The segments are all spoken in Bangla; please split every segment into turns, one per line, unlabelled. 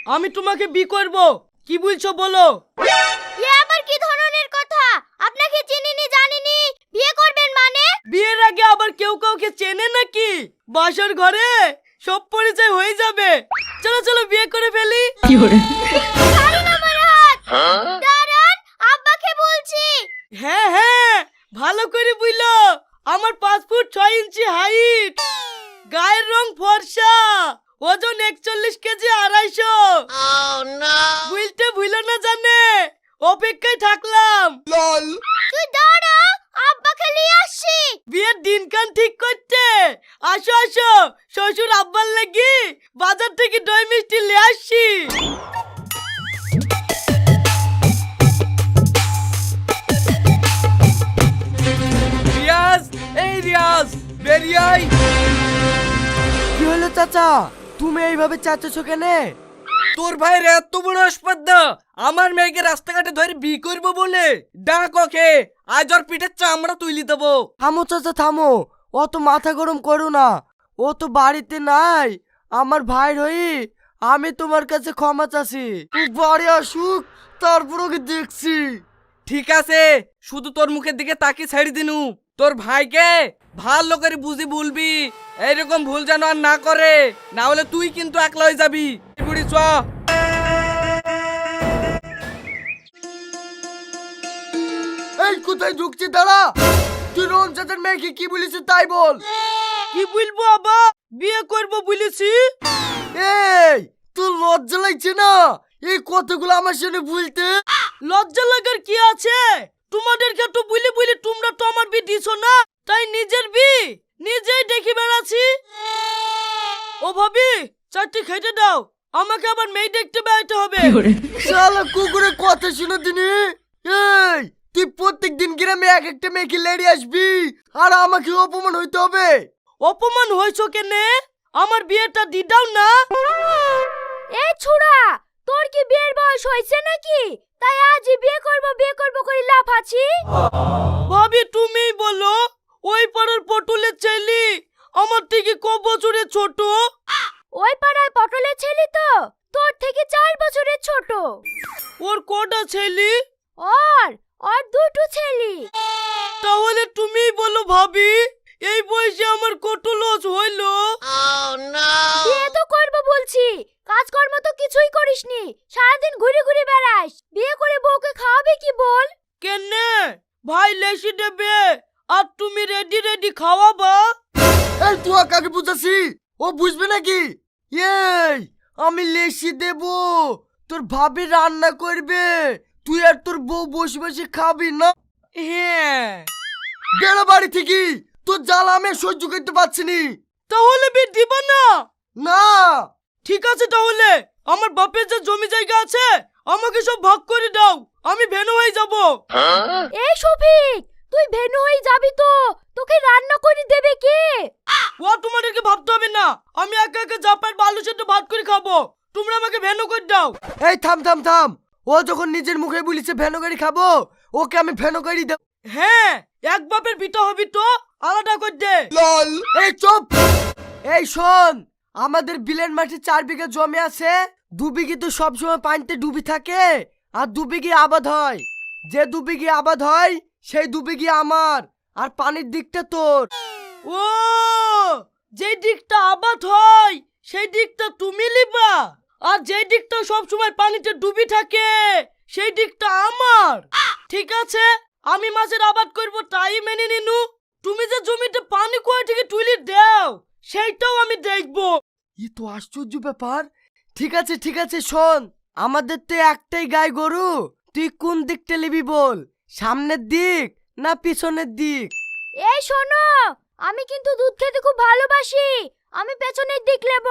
আমি তোমাকে বিয়ে করব। কি বলছো বলো?
এ আবার কি ধরনের কথা? আপনাকে চিনিনি জানিনি বিয়ে করবেন মানে?
বিয়ের আগে আবার কেউ কাউকে চেনে নাকি? বাসর ঘরে সব পরিচয় হয়ে যাবে। চলো চলো বিয়ে করে ফেলি।
ছাড়ুন আমার হাত। দাঁড়ান, আব্বাকে বলছি।
হ্যাঁ হ্যাঁ, ভালো করে বুঝলো। আমার 5 ফুট 6 ইঞ্চি হাইট, গায়ের রং ফর্সা, ওজন 41 কেজি 250। বুঝতে ভুলো না জানে, অপেক্ষায় থাকলাম।
তুই দাঁড়া, আব্বাকে নিয়ে আসছি।
বিয়ের দিনকান ঠিক করতে। আসো আসো, শ্বশুর আব্বার লাগি বাজার থেকে দই মিষ্টি নিয়ে আসছি। রিয়াজ, এই রিয়াজ, বেরিয়ে আয়।
কি হলো চাচা, তুমি এইভাবে চাচ্ছো কেনে?
তোর ভাইয়ের এত বড় আসপাদ্দা আমার মেয়েকে রাস্তাঘাটে ধরে বিয়ে করবো বলে। ডাক ওকে, আজ ওর পিঠের চামড়া তুলি দেবো।
থামো চাচা থামো, অত মাথা গরম করো না। ও তো বাড়িতে নাই। আমার ভাইয়ের হই আমি তোমার কাছে ক্ষমা চাচ্ছি। বাড়ি আসুক, তারপর ওকে দেখছি।
ঠিক আছে, শুধু তোর মুখের দিকে তাকিয়ে ছেড়ে দিনু। তোর ভাইকে ভালো করে বুঝি বলবি, এইরকম ভুল যেন আর না করে, না হলে তুই কিন্তু একলা হয়ে যাবি। বুড়ি চ।
এই কোথায় ঢুকছি, দাঁড়া। তুই রোহন চাচার মেয়েকে কি বলিস তাই বল।
কি বলবো আবা, বিয়ে করবো বলেছি।
এই তোর লজ্জা লাগছে না এই কথাগুলো আমার সামনে বলতে?
লজ্জা লাগার কি আছে? তোমাদেরকে তো বলি বলি তোমরা তো আমার বি দিছো না, তাই নিজের বি নিজেই দেখি বেড়াচ্ছি। ও ভাবি, চারটি খেতে দাও, আমাকে আবার মেয়ে দেখতে বেড়াতে হবে।
শালা কুকুরের কথা শুনে দিনি। এই তুই প্রত্যেক দিন গ্রামে এক একটা মেয়েকে লেড়ি আসবি আর আমাকে অপমান হইতে হবে?
অপমান হয়েছো কেনে? আমার বিয়েটা দি দাও না।
এই ছুড়া, তোর কি বিয়ের বয়স হয়েছে নাকি? তাই আজই বিয়ে করব করে লাফাচ্ছি।
ভাবি তুমি বলো, ওই পাড়ার পটলের ছেলে আমার থেকে ক বছরের ছোট?
ওই পাড়ায় পটলের ছেলে তো তোর থেকে 4 বছরের ছোট।
ওর কটা ছেলে?
ওর দুটো ছেলে।
তাহলে তুমি বলো ভাবি, এই বয়সে আমার কত লস হইলো।
বিয়ে তো করব বলছি, কাজকর্ম তো কিছুই করিসনি, সারাদিন ঘুরে ঘুরে বেড়াস। বিয়ে করে বউকে খাওয়াবে কি বল?
কেনে ভাই লেসি দেবে আর তুমি রেডি রেডি খাওয়াবা?
এই তুই কাকে বুঝাছি, ও বুঝবে নাকি? এই আমি লেসি দেব, তোর ভাবি রান্না করবে, তুই আর তোর বউ বসে বসে খাবি না।
হ্যাঁ।
বেড়া বাড়ি থেকে, তোর জ্বালা আমি আর সহ্য করতে পারছি নি।
তাহলে বিয়ে দিবা না?
না।
ঠিক আছে, তাহলে আমার বাপের যে জমি জায়গা আছে আমাকে সব ভাগ করে দাও, আমি ভেনু হয়ে যাব।
এই শফিক, তুই ভেনু হয়ে যাবি তো তোকে রান্না করে দেবে কে?
ও তোমাদেরকে ভাবতে হবে না, আমি একা একা জাপার বালু সেদ্ধ ভাত করে খাবো, তোমরা আমাকে ভেনু করে দাও।
এই থাম থাম থাম, ও যখন নিজের মুখে বলিছে ভেনো গাড়ি খাবো, ওকে আমি ভেনো গাড়ি দেব।
হ্যাঁ, এক বাপের পিতা হবি তো আলাদা করে দে।
এই চুপ। এই শোন, আমাদের বিলের মাঠে 4 বিঘা জমি আছে। 2 বিঘি তো সবসময় পানিতে ডুবি থাকে আর 2 বিঘি আবাদ হয়। যে 2 বিঘি আবাদ হয় সেই 2 বিঘি আমার, আর পানির দিকটা তোর।
ও, যে দিকটা আবাদ হয় সেই দিকটা তুমি লিবা, আর যে দিকটা সব সময় পানিতে ডুবি থাকে সেই দিকটা আমার। ঠিক আছে, আমি মাছের আবাদ করব তাই মেনে নিনু। তুমি যে জমিতে পানি কোয়া থেকে তুলি দাও সেইটাও আমি দেখবো।
ই তো আশ্চর্য ব্যাপার। ঠিক আছে শোন, আমাদের তো একটাই গাই গরু, তুই কোন দিকটা নিবি বল, সামনের দিক না পিছনের দিক?
এই শোনো, আমি কিন্তু দুধ খেতে খুব ভালোবাসি, আমি পেছনের দিক নেব।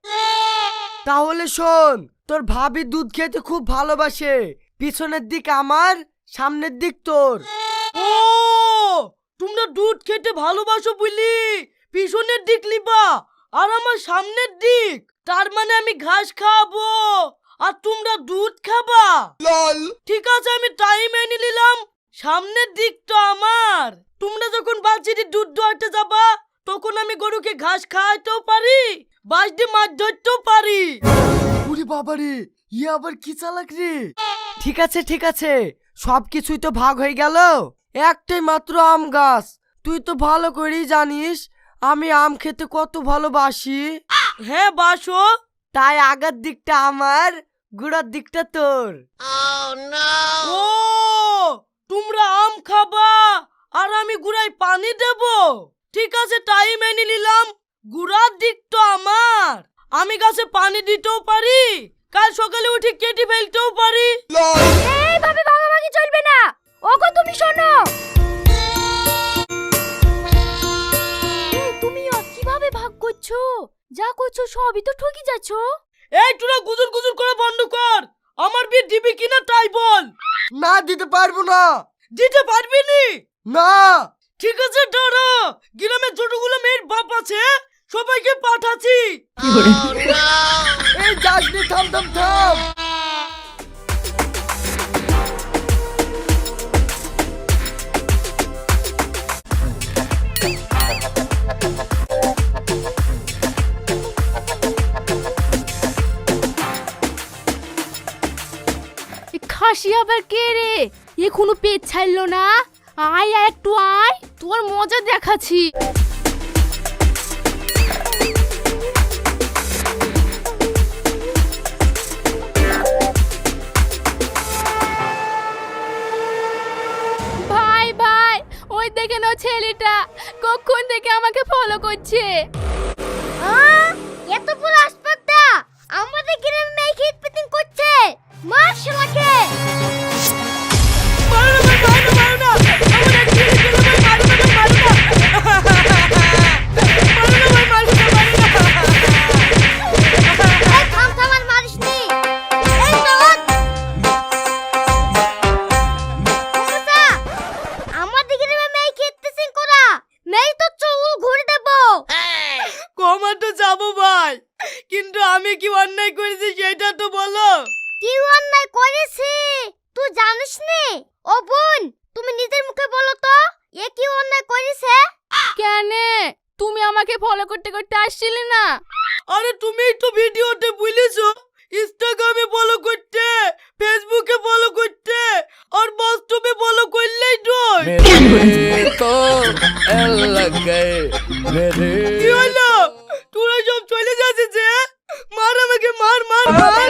তাহলে শোন, তোর ভাবি দুধ খেতে খুব ভালোবাসে, পিছনের দিক আমার, সামনের দিক তোর।
ও, তোমরা দুধ খেতে ভালোবাসো বলি পিছনের দিক লিবা আর আমার সামনের দিক, তার মানে আমি ঘাস খাবো আর তোমরা দুধ খাবা। ঠিক আছে, আমি তাই মেনে নিলাম, সামনের দিকটা আমার। তোমরা যখন বাচ্চাটি দুধ দোয়াতে যাবা তখন আমি গরুকে ঘাস খাওয়াতেও পারি, বাঁশ দিয়ে মাছ ধরতেও পারি।
উরি বাবারে, ইয়ে আবার কি চালাক রে। ঠিক আছে ঠিক আছে, সব কিছুই তো ভাগ হয়ে গেল। একটাই মাত্র আম গাছ, তুই তো ভালো করেই জানিস আমি আম খেতে কত ভালোবাসি।
হ্যাঁ বাসো।
তাই আগার দিকটা আমার, গুড়ার দিকটা তোর।
ও তোমরা আম খাবা আর আমি গুড়ায় পানি দেব? ঠিক আছে তাই মেনে নিলাম। গুড়ার দিক তো আমার, আমি গাছে পানি দিতেও পারি, কাল সকালে উঠে কেটে ফেলতেও পারি।
এইভাবে ভাগাভাগি চলবে না। ওগো তুমি শোনো, এই তুমি কিভাবে ভাগ করছো? যা করছো সবই তো ঠকি যাচ্ছো।
এই তোরা গুজুর গুজুর করে বন্ধ কর, আমার বিয়ে দিবি কিনা তাই বল।
না দিতে পারবো না।
দিতে পারবি নি?
না।
ঠিক আছে দাঁড়া, গ্রামে যতগুলো মেয়ের বাপ আছে সবাইকে পাঠাচ্ছি।
এই যাস নি, থাম থাম থাম।
খাসি আবার কে রে? এখনো পেট ছাড়লো না। আয় আয় একটু আয়, তোর মজা দেখাচ্ছি। ভাই ভাই, ওই দেখে নাও ছেলেটা কখন থেকে আমাকে ফলো করছে। এত বড় আসপাতা আমাদের গ্রামে মেয়ে খেত পিটিং করছে। মার শালাকে।
মারো না ভাই, মারো না, আমার এক ছেলে ছিল ভাই, মারো না ভাই, মারো না। মারো না ভাই, মারো না, মারো না।
এই থাম থাম আর মারিস নি। এই চল। ওমসা, আমাদের গ্রামে মেয়ে খেত পিটিং করা, মেয়ে তো চুল ঘুরে দেব।
কমা তো যাবো ভাই, কিন্তু আমি কি অন্যায় করেছি সেটা তো বলো।
কি অন্যায় করেছি তুই জানিস নে? ও বোন, তুমি নিজের মুখে বলো তো, এ কি অন্যায় করেছে? কেন তুমি আমাকে ফলো করতে করতে আসছিলে না?
আরে তুমিই তো ভিডিওতে বলেছো ইনস্টাগ্রামে ফলো করতে, ফেসবুকে ফলো করতে, আর বাস্তবে ফলো করলেই নয়।
तो लग गए मेरे
কি হলো, তোরা সব চলে যাচ্ছে যে? মার আমাকে, মার মার মার।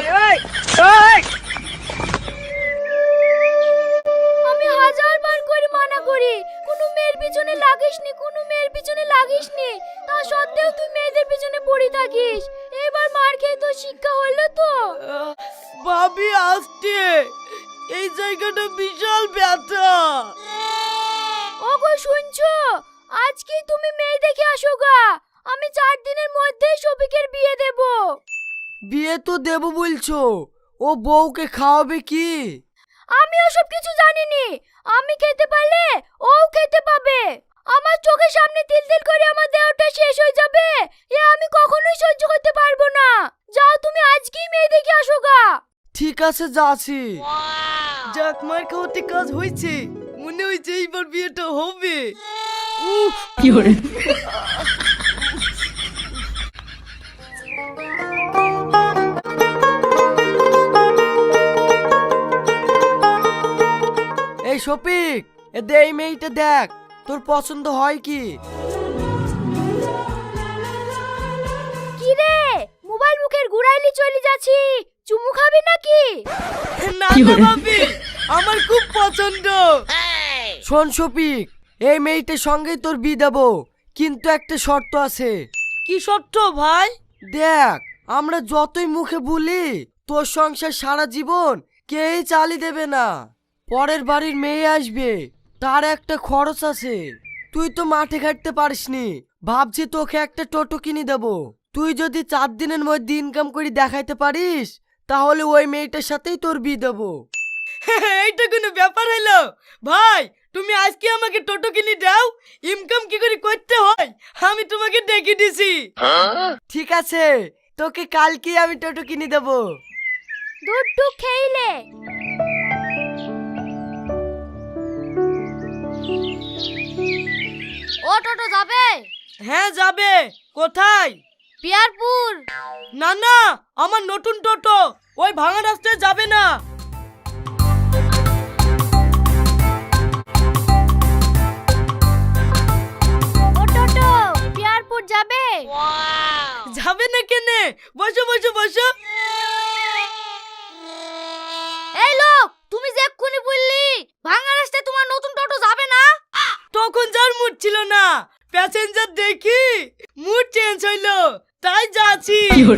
আমি হাজার বার করে মানা করি কোনো মেয়ের পিছনে লাগিসনি, কোনো মেয়ের পিছনে লাগিসনি, তা সত্ত্বেও তুই মেয়েদের পিছনে পড়ে থাকিস। এবার মার খেয়ে তো শিক্ষা হলো তো।
ভাবি আসতে, এই জায়গাটা বিশাল ব্যথা।
ওগো শুনছো, আজকে তুমি মেয়ে দেখে আসো গা। আমি 4 দিনের মধ্যেই শফিকের বিয়ে দেব।
বিয়ে তো দেবো বলছো, ও বউকে খাওয়াবে কি?
আমি ওসব কিছু জানিনি। আমি খেতে পারলে ও খেতে পাবে। আমার চোখের সামনে তিল তিল করে আমার দেহটা শেষ হয়ে যাবে, এ আমি কখনোই সহ্য করতে পারবো না। যাও তুমি আজকেই মেয়ে দেখে আসো গা।
ঠিক আছে যাচ্ছি।
যাক মার খাওয়াতে কাজ হয়েছে, মনে হয়েছে এইবার বিয়েটা হবে।
এই শফিক, এদে এই মেয়েটা দেখ, তোর পছন্দ হয় কি?
কি রে, মোবাইল মুখের ঘুরাইলি চলে যাচ্ছি, চুমু খাবি নাকি?
না না ভাবি, আমার খুব পছন্দ।
শোন শফিক, এই মেয়েটার সঙ্গেই তোর বিয়ে দেবো, কিন্তু একটা শর্ত আছে।
কি শর্ত ভাই?
দেখ, আমরা যতই মুখে বলি তোর সংসার সারা জীবন কেই চালিয়ে দেবে না। পরের বাড়ির মেয়ে আসবে, তার একটা খরচ আছে। তুই তো মাঠে ঘাটতে পারিসনি, ভাবছি তোকে একটা টোটো কিনে দেবো। তুই যদি 4 দিনের মধ্যে ইনকাম করে দেখাইতে পারিস, তাহলে ওই মেয়েটার সাথেই তোর বিয়ে দেবো।
এইটা কোনো ব্যাপার হলো ভাই? তুমি আজকে আমাকে টোটো কিনে দাও, ইনকাম কি করে করতে হয় আমি তোমাকে ডেকে দিছি।
ঠিক আছে, তোকে কালকে আমি টোটো কিনে দেবো।
দুধ টুক খেইলে। ও টোটো যাবে?
হ্যাঁ যাবে। কোথায়?
পিয়ারপুর।
না না, আমার নতুন টোটো ওই ভাঙা রাস্তায় যাবে না।
ও টোটো, পিয়ারপুর যাবে?
যাবে না কেনে? বসো বসো বসো।
এই লোক, তুমি যে এক্ষুনি বললি ভাঙা রাস্তায় তোমার নতুন টোটো যাবে না।
তখন যার মুড ছিল না, প্যাসেঞ্জার দেখি মুড চেঞ্জ হইলো, তাই যাচ্ছি।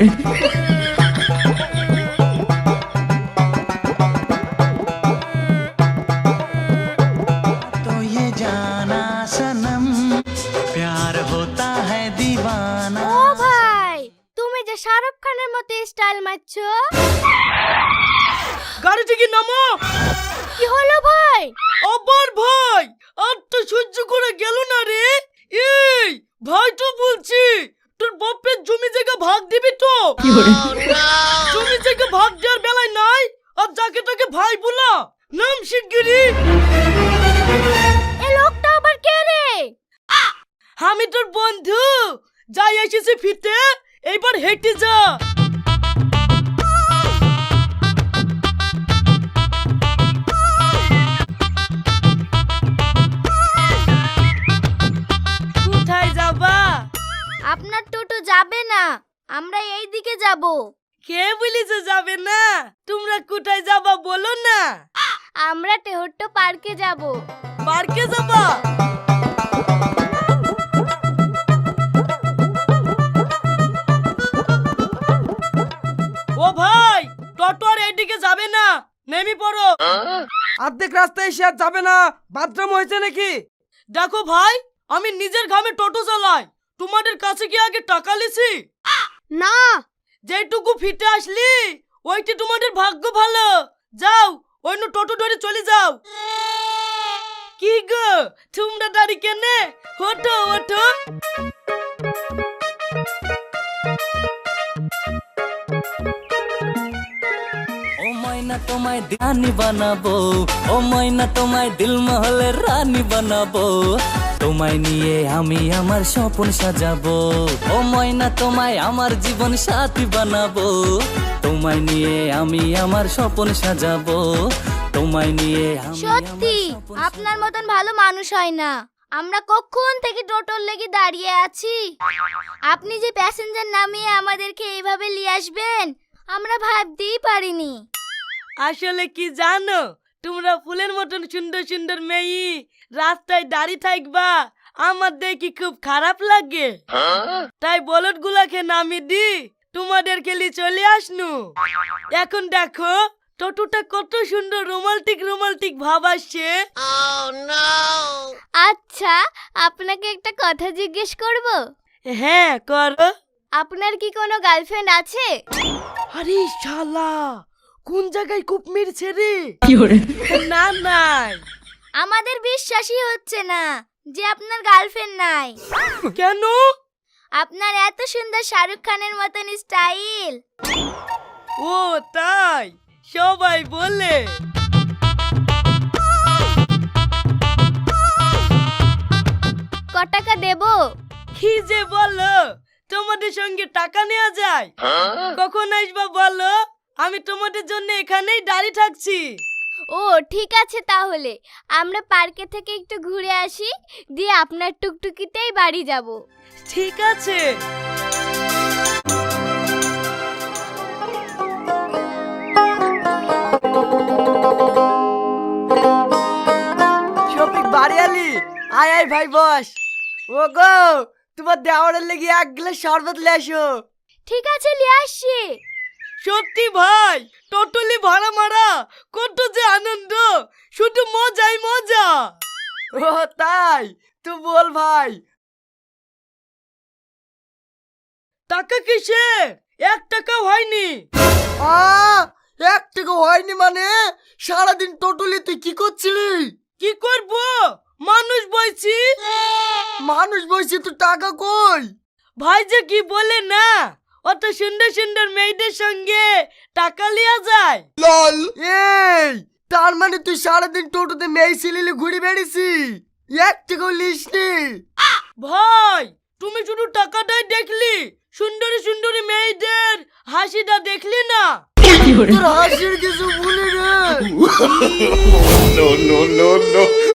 तो ये जाना सनम प्यार होता है दीवाना।
ও ভাই, তুমি যে শাহরুখ খানের মতো স্টাইল মারছো।
গাড়ি থেকে নামো।
কি হলো ভাই?
আবার ভাই, আর তো সহ্য করে গেল না রে। এই ভাই তো বলছি, তোর বাপের জমি জায়গা ভাগ দিবি তো? জমি জায়গা ভাগ দেওয়ার বেলায় নাই, আর যাকে তাকে ভাই বলা। নাম শিগগিরি।
এই লোকটা আবার কে রে?
আমি তোর বন্ধু, যাই এসেছি ফিরতে, এইবার হেঁটে যা। কোথায় যাবা?
আপনার টোটো যাবে না, আমরা এই দিকে যাব।
কে বলিছে যাবে না? তোমরা কোথায় যাবা বলো না।
আমরা টেহট্টো পার্কে যাব।
পার্কে যাবা? ও ভাই, টোটো আর এইদিকে যাবে না, নেমে পড়ো।
অর্ধেক রাস্তায় এসে আর যাবে না, বাথরুম হয়েছে নাকি?
দেখো ভাই, আমি নিজের ঘামে টোটো চালাই, তোমাদের কাছে কি আগে টাকা লিছি?
না,
যেটুকু ফিটে আসলি ওইটি তোমাদের ভাগ্য ভালো। যাও, অন্য টোটো ধরে চলে যাও। কি গো, তোমরা দাঁড়ি কেনে? ওঠো ওঠো।
ও ময়না তোমায় রানী বানাবো, ও ময়না তোমায় দিল মহলের রানী বানাবো, তোমায় নিয়ে আমি আমার স্বপ্ন সাজাবো। ও ময়না তোমায় আমার জীবন সাথী বানাবো, তোমায় নিয়ে আমি আমার স্বপ্ন সাজাবো, তোমায় নিয়ে আমি
সত্যি
আমার স্বপ্ন
আপনার মতন ভালো মানুষ হয় না। আমরা কখন থেকে টোটোর লেগে দাঁড়িয়ে আছি, আপনি যে প্যাসেঞ্জার নামিয়ে আমাদেরকে এইভাবে নিয়ে আসবেন আমরা ভাবতেই পারিনি।
আসলে কি জানো, তোমরা ফুলের মতন সুন্দর সুন্দর মেয়ে রাস্তায় দাঁড়িয়ে থাকবা, আমার দেখি খুব খারাপ লাগে। তাই বলদ গুলাকে নামিয়ে দি তোমাদেরকে নিয়ে চলে আসনু। এখন দেখো টোটোটা কত সুন্দর রোমান্টিক রোমান্টিক ভাব আসছে।
আচ্ছা, আপনাকে একটা কথা জিজ্ঞেস করব?
হ্যাঁ করো।
আপনার কি কোনো গার্লফ্রেন্ড আছে?
আরে শালা, কোন জায়গায় কূপ মেরেছে রে? না নাই।
আমাদের বিশ্বাসই হচ্ছে না যে আপনার গার্লফ্রেন্ড নাই।
কেন?
আপনার এত সুন্দর শাহরুখ খানের মতন স্টাইল।
ও তাই, সবাই বলে।
ক টাকা দেব?
কি যে বলো, তোমাদের সঙ্গে টাকা নেওয়া যায়? কখন আসবা বলো, আমি তোমাদের জন্য এখানেই দাঁড়িয়ে থাকছি।
ও ঠিক আছে, তাহলে আমরা পার্কে থেকে একটু ঘুরে আসি, দিয়ে আপনার টুকটুকিতেই বাড়ি যাব।
ঠিক আছে।
শফিক বাড়ি আলি, আয় আয় ভাই বস। ও গো, তোমার দেওয়ারের লেগে এক গ্লাস শরবত লে আসো।
ঠিক আছে, নিয়ে আসছি।
সত্যি ভাই, টোটলি ভাড়া মারা কত যে আনন্দ, শুধু মজাই মজা।
ও তাই, তো বল ভাই।
টাকা কিসে? 1 টাকাও হয়নি।
আ 1 টাকা হয়নি মানে? সারাদিন টোটলি তুই কি করছিলি?
কি করব, মানুষ বইছি।
মানুষ বসে তো টাকা কই?
ভাই যে কি বলে না, অত সুন্দর সুন্দর মেয়েদের সঙ্গে টাকা লিয়া যায়।
এই, তার মানে তুই সারাদিন টোটোতে মেয়ে ছেলে ঘুরে বেড়েছি, 1 টাকাও লিসনি?
ভাই তুমি শুধু টাকাটাই দেখলি, সুন্দরী সুন্দরী মেয়েদের হাসিটা দেখলি না?
তোর হাসির কিছু ভুলি রে।